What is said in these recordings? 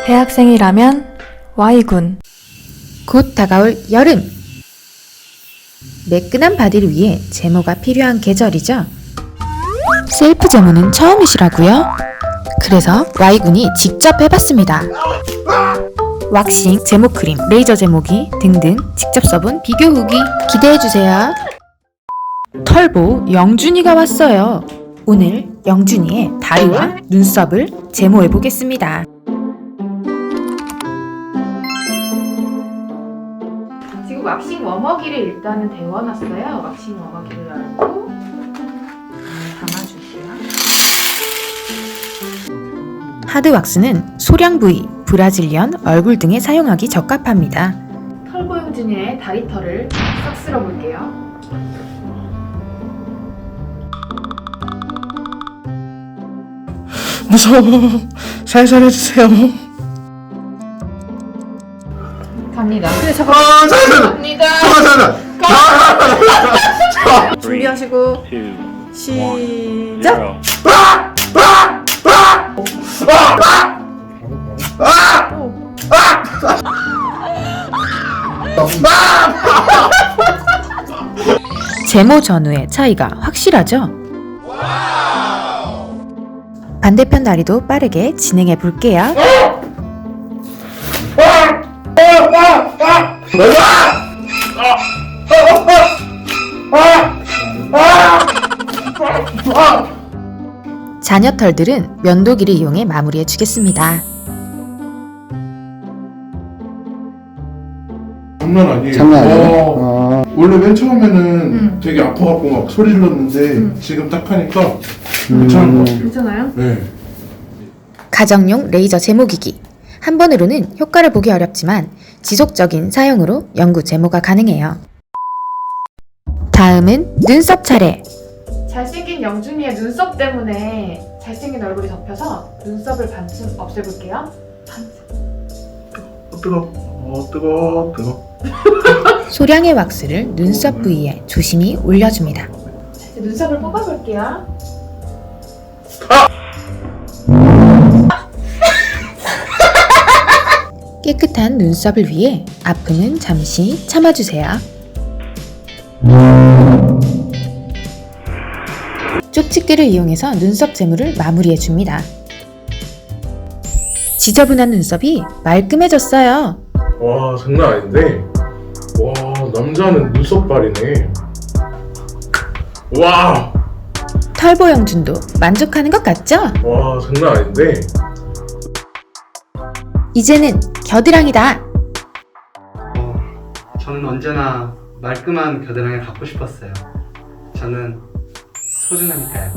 대학생이라면 Y군. 곧 다가올 여름! 매끈한 바디를 위해 제모가 필요한 계절이죠. 셀프 제모는 처음이시라고요? 그래서 Y군이 직접 해봤습니다. 왁싱, 제모 크림, 레이저 제모기 등등 직접 써본 비교 후기 기대해주세요. 털보 영준이가 왔어요. 오늘 영준이의 다리와 눈썹을 제모해보겠습니다. 지금 왁싱 워머기를 일단은 데워놨어요. 왁싱 워머기를 알고 담아줄게요. 하드왁스는 소량 부위, 브라질리언, 얼굴 등에 사용하기 적합합니다. 털보 영준이의 다리털을 싹 쓸어볼게요. 무서워. 살살 해주세요. 갑니다. 그래 갑니다. 준비하시고 시작. 제모 전후의 차이가 확실하죠? 반대편 다리도 빠르게 진행해 볼게요. 잔여털들은 면도기를 이용해 마무리해 주겠습니다. 장난 아니에요. 장난 아니에요? 원래 맨 처음에는 되게 아파갖고 막 소리 질렀는데 지금 딱 하니까 괜찮은 것 같아요. 괜찮아요? 네. 가정용 레이저 제모기기. 한 번으로는 효과를 보기 어렵지만 지속적인 사용으로 영구 제모가 가능해요. 다음은 눈썹 차례. 잘생긴 영준이의 눈썹 때문에 잘생긴 얼굴이 덮여서 눈썹을 반쯤 없애볼게요. 뜨거. 소량의 왁스를 눈썹 부위에 조심히 올려줍니다. 이제 눈썹을 뽑아볼게요. 깨끗한 눈썹을 위해 아픔은 잠시 참아주세요. 쪽집게를 이용해서 눈썹 제모를 마무리해줍니다. 지저분한 눈썹이 말끔해졌어요. 와, 장난 아닌데. 와, 남자는 눈썹발이네. 와, 털보 영준도 만족하는 것 같죠? 와, 장난 아닌데. 이제는 겨드랑이다. 저는 언제나 말끔한 겨드랑이를 갖고 싶었어요. 저는 소중하니까요.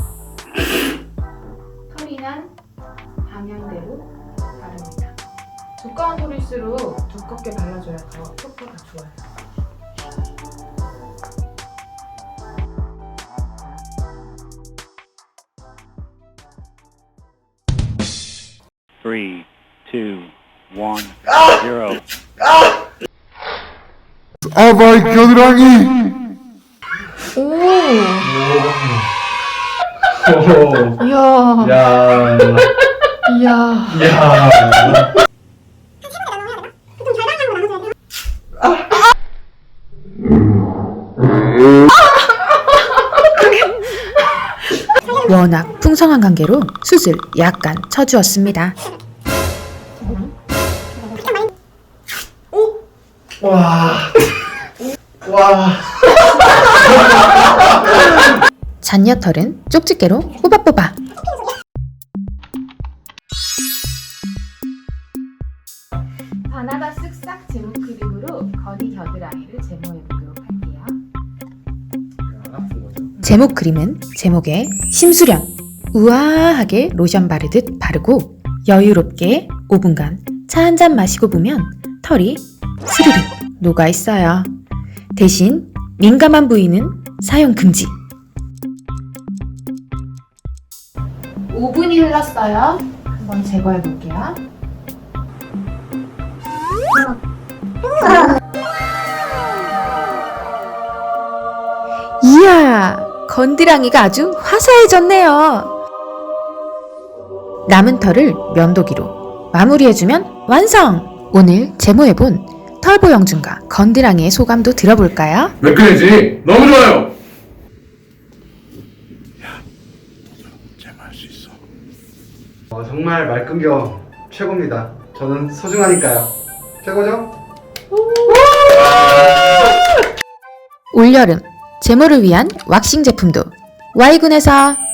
털이 난 방향대로 바릅니다. 두꺼운 털일수록 두껍게 발라줘야 더 효과가 좋아요. Three, two, one, zero. 아바이 겨드랑이. 이야, 야, 이야. 야. 워낙 풍성한 관계로 숱을 약간 쳐주었습니다. 와. 와. 잔여털은 쪽집게로 뽑아. 바나나 쓱싹 제모 크림으로 건이 겨드랑이를 제모해보도록 할게요. 제모 크림은 제목에 심수련, 우아하게 로션 바르듯 바르고 여유롭게 5분간 차 한 잔 마시고 보면 털이 스르륵 녹아있어요. 대신 민감한 부위는 사용 금지. 5분이 흘렀어요. 한번 제거해볼게요. 이야, 건드랑이가 아주 화사해졌네요. 남은 털을 면도기로 마무리해주면 완성! 오늘 제모해본 털보 영준과 건드랑이의 소감도 들어볼까요? 매끈해지니 너무 좋아요. 제모할 수 있어. 정말 말끔겨 최고입니다. 저는 소중하니까요. 최고죠? 올여름 제모를 위한 왁싱 제품도 Y군에서